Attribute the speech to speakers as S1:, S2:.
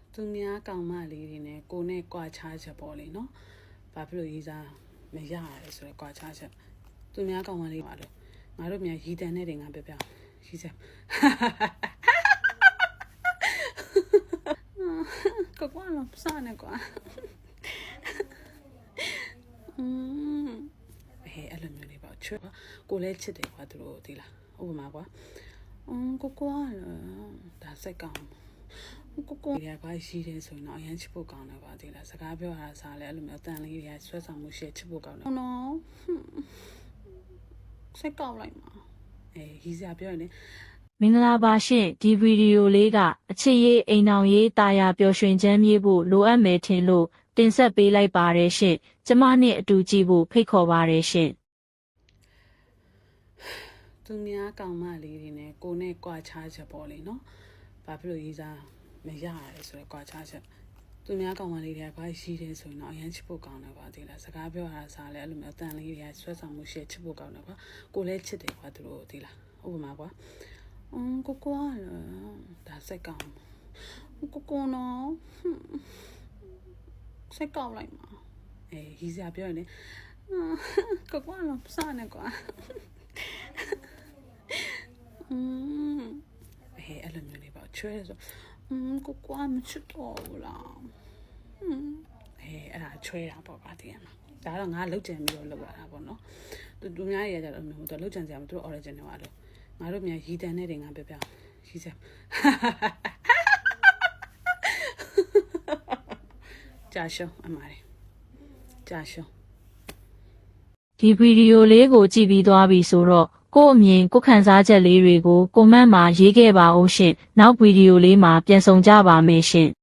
S1: သူများကောင်မလေးတွေနဲ့ကိုနဲ့ကွာခြားချက်ပေါ့လေနော်ဘာဖြစ်လို့ရေးစားမရရဲဆိုတော့ကွာခြားချက်သူများကောင်မလေးပါလို့ငါတို့မြန်ရီတန်နဲ့တွေငါပြပြရီစက်ကွာကွာလို့စနေကွာဟဲ့အဲ့လိုမျိုးလေးပေါ့ချွတ်ကိုလည်းချစ်တယ်ကွာသူတို့ဒီလားဥပမာကွာကိုကွာဒါစိတ်ကောင်းကိုရကွာရှိတယ်ဆိုရင်တော့အရင်ချစ်ဖို့ကောင်းတယ်ပါဒီလားစကားပြောရတာစားလဲအဲ့လိုမျိုးအတန်လေးတွေကဆွဲဆောင်မှုရှိချစ်ဖို့ကောင်းတယ်နော်စိတ်ကောက်လိုက်မှာရီစရာပြောရင်လေ
S2: မင်္ဂလာပါရှင်ဒီဗီဒီယိုလေးကအချစ်ရေးအိမ်အောင်ရေးတာယာပျော်ရွှင်ချမ်းမြေ့ဖို့လိုအပ်မယ်ထင်လို့တင်ဆက်ပေးလိုက်ပါတယ်ရှင်ကျမနဲ့အတူကြည့်ဖို့ဖိတ်ခေါ်ပါတယ်ရှင်
S1: သူများကောင်မလေးတွေနဲ့ကိုနဲ့ကွာခြားချက်ပေါ့လေနော်ဘာဖြစ်လို့ရေးစားမရရဲဆိုတော့ကွာခြားချက်သူများကောင်မလေးတွေကကွာရှိတယ်ဆိုရင်တော့အရင်ချစ်ဖို့ကောင်းတယ်ပါဒီလားစကားပြောရတာစားလဲအဲ့လိုမျိုးအတန်လေးတွေကဆွဲဆောင်မှုရှိချစ်ဖို့ကောင်းတယ်ကွာကိုလည်းချစ်တယ်ကွာသူတို့ဒီလားဥပမာကွာကိုကွာဒါစိတ်ကောင်းကိုနော်စိတ်ကောက်လိုက်မှာရီစရာပြောရင်လေကိုကွာလို့စနေကွာဟဲ့အဲ့လိုမျိုးလေးပေါ့ချွဲဆိုကိုကွာမချစ်တော့ဘူးလားအဲ့ဒါချွဲတာပေါ့ပါတည်းမှာဒါတော့ငါလောက်ကြံပြီးတော့လောက်ရတာပေါ့နော်သူများရကြတော့မျိုးသူလောက်ကြံစရာမသူတို့ original ပါလို့ငါတို့မြန်ရီတန်နဲ့တွေငါပြပြရီစက်ကြာရှုံးအမားကြာရှုံး
S2: ဒီဗီဒီယိုလေးကိုကြည့်ပြီးသွားပြီဆိုတော့ကို့အမြင်ကိုခံစားချက်လေးတွေကိုကွန်မန့်မှာရေးခဲ့ပါဦးရှင်နောက်ဗီဒီယိုလေးမှာပြန်ဆောင်ကြပါမယ်ရှင်